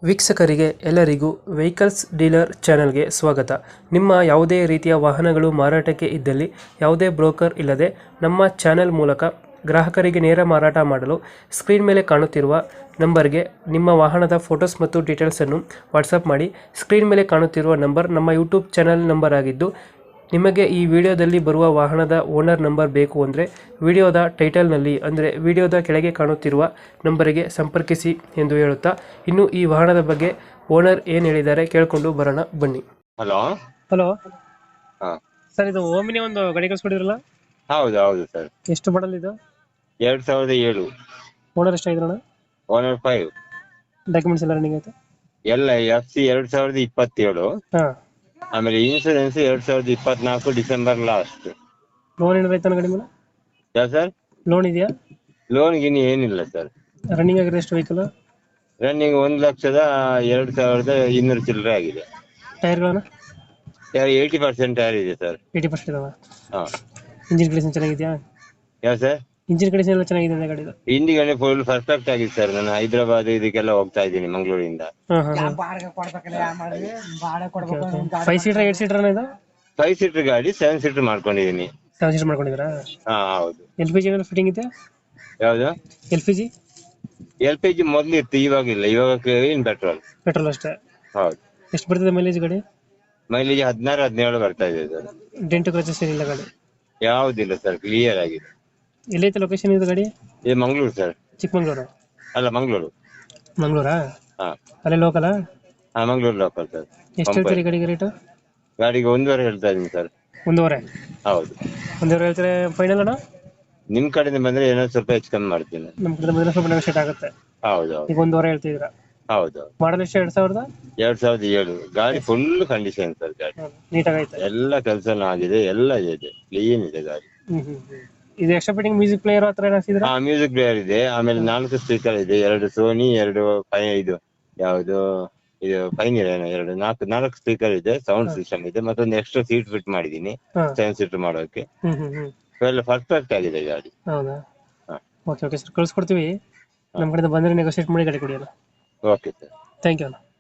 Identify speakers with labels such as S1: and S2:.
S1: ವೀಕ್ಷಕರಿಗೆ ಎಲ್ಲರಿಗೂ vehicles dealer ಚಾನೆಲ್ಗೆ ಸ್ವಾಗತ. ನಿಮ್ಮ ಯಾವುದೇ ರೀತಿಯ ವಾಹನಗಳು ಮಾರಾಟಕ್ಕೆ ಇದ್ದಲ್ಲಿ ಯಾವುದೇ ಬ್ರೋಕರ್ ಇಲ್ಲದೆ ನಮ್ಮ ಚಾನೆಲ್ ಮೂಲಕ ಗ್ರಾಹಕರಿಗೆ ನೇರ ಮಾರಾಟ ಮಾಡಲು ಸ್ಕ್ರೀನ್ ಮೇಲೆ ಕಾಣುತ್ತಿರುವ ನಂಬರ್ಗೆ ನಿಮ್ಮ ವಾಹನದ ಫೋಟೋಸ್ ಮತ್ತು ಡೀಟೇಲ್ಸನ್ನು ವಾಟ್ಸಪ್ ಮಾಡಿ. ಸ್ಕ್ರೀನ್ ಮೇಲೆ ಕಾಣುತ್ತಿರುವ ನಂಬರ್ ನಮ್ಮ ಯೂಟ್ಯೂಬ್ ಚಾನೆಲ್ ನಂಬರ್ ಆಗಿದ್ದು, ನಿಮಗೆ ಈ ವಿಡಿಯೋದಲ್ಲಿ ಬರುವ ವಾಹನದ ಓನರ್ ನಂಬರ್ ಬೇಕು ಅಂದರೆ ವಿಡಿಯೋದ ಟೈಟಲ್ನಲ್ಲಿ ಅಂದರೆ ವಿಡಿಯೋದ ಕೆಳಗೆ ಕಾಣುತ್ತಿರುವ ನಂಬರಿಗೆ ಸಂಪರ್ಕಿಸಿ ಎಂದು ಹೇಳುತ್ತಾ, ಇನ್ನು ಈ ವಾಹನದ ಬಗ್ಗೆ ಓನರ್ ಏನು ಹೇಳಿದ್ದಾರೆ ಕೇಳಿಕೊಂಡು ಬರೋಣ ಬನ್ನಿ.
S2: ಹಲೋ.
S1: ಹಲೋ
S2: ಹಾ,
S1: ಸರ್, ಇದು ಓಮಿನಿ ಒಂದು ಗಾಡಿ ಕಳಿಸ್ಕೊಡಿದ್ರಲ್ಲ,
S2: ಹೌದು ಹೌದು ಸರ್.
S1: ಎಷ್ಟು ಮಾಡಲ್ ಇದು?
S2: 2007.
S1: ಓನರ್ ಎಷ್ಟಾಗಿದ್ರಣ?
S2: ಓನರ್ 5.
S1: ಡಾಕ್ಯುಮೆಂಟ್ಸ್ ಎಲ್ಲ ರನ್ನಿಂಗ್ ಆಯ್ತು?
S2: ಎಲ್ಲ FC 2027.
S1: ಹಾಂ.
S2: ಆಮೇಲೆ ಇನ್ಸೂರೆನ್ಸ್ 2024 ಡಿಸೆಂಬರ್ ಲಾಸ್ಟ್.
S1: ಲೋನ್ ಏನಾರ ಆಯ್ತಾನ ಗಾಡಿ ಮೇಲೆ?
S2: ಯಾ ಸರ್?
S1: ಲೋನ್ ಇದೆಯಾ?
S2: ಲೋನ್ ಗಿನ್ ಏನಿಲ್ಲ ಸರ್.
S1: ರನ್ನಿಂಗ್ ಆಗಿರೋ ಎಷ್ಟು ವೆಹಿಕಲ್?
S2: ರನ್ನಿಂಗ್ 1,02,200 ಚಿಲ್ಲರೆ ಆಗಿದೆ.
S1: ಟೈರ್ಗಳನ್ನ
S2: 80% ಟೈರ್ ಇದೆ ಸರ್.
S1: 80% ಇದಾವ.
S2: ಹಾ.
S1: ಇಂಜಿನ್ ಕಂಡೀಷನ್ ಚೆನ್ನಾಗಿದೆಯಾ?
S2: ಯಾ ಸರ್?
S1: ಇಂಜಿನ್ ಕಂಡೀಷನ್ ಎಲ್ಲ ಚೆನ್ನಾಗಿದೆ ಅಂದ್ರೆ ಗಾಡಿದು?
S2: ಇಂಡಿಗನೆ ಫುಲ್ ಪರ್ಫೆಕ್ಟ್ ಆಗಿದೆ ಸರ್. ನಾನು ಹೈದರಾಬಾದ್ ಇದಕ್ಕೆಲ್ಲ ಹೋಗ್ತಾ ಇದ್ದೀನಿ ಮಂಗಳೂರಿಂದ.
S1: ಹಾಂ ಹಾಂ ಹಾಂ. 5 ಸೀಟರ್ 8 ಸೀಟರ್ ಇದು?
S2: 5 ಸೀಟರ್ ಗಾಡಿ 7 ಸೀಟರ್ ಮಾಡ್ಕೊಂಡಿದ್ದೀನಿ.
S1: 7 ಸೀಟರ್ ಮಾಡ್ಕೊಂಡಿದ್ದೀರಾ?
S2: ಹಾ ಹೌದು.
S1: LPG ಏನಾದ್ರು ಫಿಟ್ಟಿಂಗ್ ಇದೆ?
S2: ಯಾವ್ದು?
S1: LPG
S2: LPG ಮೊದ್ಲು ಇತ್ತು, ಇವಾಗಿಲ್ಲ. ಇವಾಗ ಇನ್ ಪೆಟ್ರೋಲ್.
S1: ಪೆಟ್ರೋಲ್ ಅಷ್ಟೇ?
S2: ಹೌದು.
S1: ಎಷ್ಟು ಬರ್ತದೆ ಮೈಲೇಜ್ ಗಾಡಿ?
S2: ಮೈಲೇಜ್ 16-17 ಬರ್ತಾ ಇದೆ ಸರ್.
S1: ಡೆಂಟು ಕ್ರಚಸ್ ಏನಿಲ್ಲ ಗಾಡಿ?
S2: ಯಾವುದಿಲ್ಲ ಸರ್, ಕ್ಲಿಯರ್ ಆಗಿದೆ.
S1: ಎಲ್ಲೈತೆ ಲೊಕೇಶನ್ ಇದು ಗಾಡಿ?
S2: ಇದು ಮಂಗಳೂರು ಸರ್.
S1: ಚಿಕ್ಕಮಂಗ್ಳೂರು?
S2: ಅಲ್ಲ, ಮಂಗಳೂರು.
S1: ಮಂಗಳೂರಾ?
S2: ಹಾ
S1: ಅಲ್ಲೇ ಲೋಕಲಾ?
S2: ಹಾ, ಮಂಗಳೂರು ಲೋಕಲ್ ಸರ್.
S1: ಎಷ್ಟು ಹೇಳ್ತೀರಿ ಗಾಡಿಗೆ ರೇಟು?
S2: ಗಾಡಿಗೆ 1.5 ಹೇಳ್ತಾ ಇದೀನಿ ಸರ್.
S1: 1.5?
S2: ಹೌದು.
S1: 1.5 ಹೇಳ್ತಾರೆ ಫೈನಲ್ ಅಣ್ಣ?
S2: ನಿಮ್ ಕಡೆಯಿಂದ ಬಂದ್ರೆ ಏನೋ ಸ್ವಲ್ಪ ಹೆಚ್ಚು ಕಮ್ಮಿ ಮಾಡ್ತೀನಿ.
S1: ನಮ್ಮ ಕಡೆ ಬಂದ್ರೆ ಸ್ವಲ್ಪ ನೆಗೋಷಿಯೇಟ್ ಆಗುತ್ತೆ.
S2: ಹೌದು
S1: ಈಗ 1.5 ಹೇಳ್ತಿದ್ದೀರಾ?
S2: ಹೌದು.
S1: ಮಾಡಲ್ ಎಷ್ಟು?
S2: 2007 ಗಾಡಿ ಫುಲ್ ಕಂಡೀಷನ್ ಸರ್. ಗಾಡಿ
S1: ನೀಟಾಗೈತೆ?
S2: ಎಲ್ಲ ಕೆಲಸನೂ ಆಗಿದೆ, ಎಲ್ಲ ಇದೆ, ಕ್ಲೀನ್ ಇದೆ ಗಾಡಿ.
S1: ಇದು ಎಕ್ಸ್ಟ್ರಾ ಫಿಟ್ಟಿಂಗ್ ಮ್ಯೂಸಿಕ್ ಪ್ಲೇಯರ್ ಹತ್ರ ಏನಾಗ್ತಿದ್ರ?
S2: ಹಾ, ಮ್ಯೂಸಿಕ್ ಪ್ಲೇಯರ್ ಇದೆ. ಆಮೇಲೆ 4 ಸ್ಪೀಕರ್ ಇದೆ, 2 ಸೋನಿ, 2 ಇದು ಯಾವುದು ಇದು ಪೈನಿಯರ್ ಏನೋ 4 ಸ್ಪೀಕರ್ ಇದೆ. ಸೌಂಡ್ ಸಿಸ್ಟಮ್ ಇದೆ. ಮತ್ತೊಂದು ಎಕ್ಸ್ಟ್ರಾ ಸೀಟ್ ಫಿಟ್ ಮಾಡಿದೀನಿ 7 ಸೀಟರ್ ಮಾಡೋಕೆ. ಎಲ್ಲ ಪರ್ಫೆಕ್ಟ್ ಆಗಿದೆ ಗಾಡಿ.
S1: ಹೌದಾ?
S2: ಹಾ.
S1: ಓಕೆ ಓಕೆ ಸರ್, ಕಳ್ಸ್ಕೊಡ್ತೀವಿ. ನಮ್ಮ ಕಡೆಯಿಂದ ಬಂದರೆ ನೆಗೋಷಿಯೇಟ್ ಮಾಡಿ ಗಾಡಿ ಕೊಡಿ ಅಲ್ಲ.
S2: Okay sir.
S1: ಥ್ಯಾಂಕ್ ಯು ಅಣ್ಣ.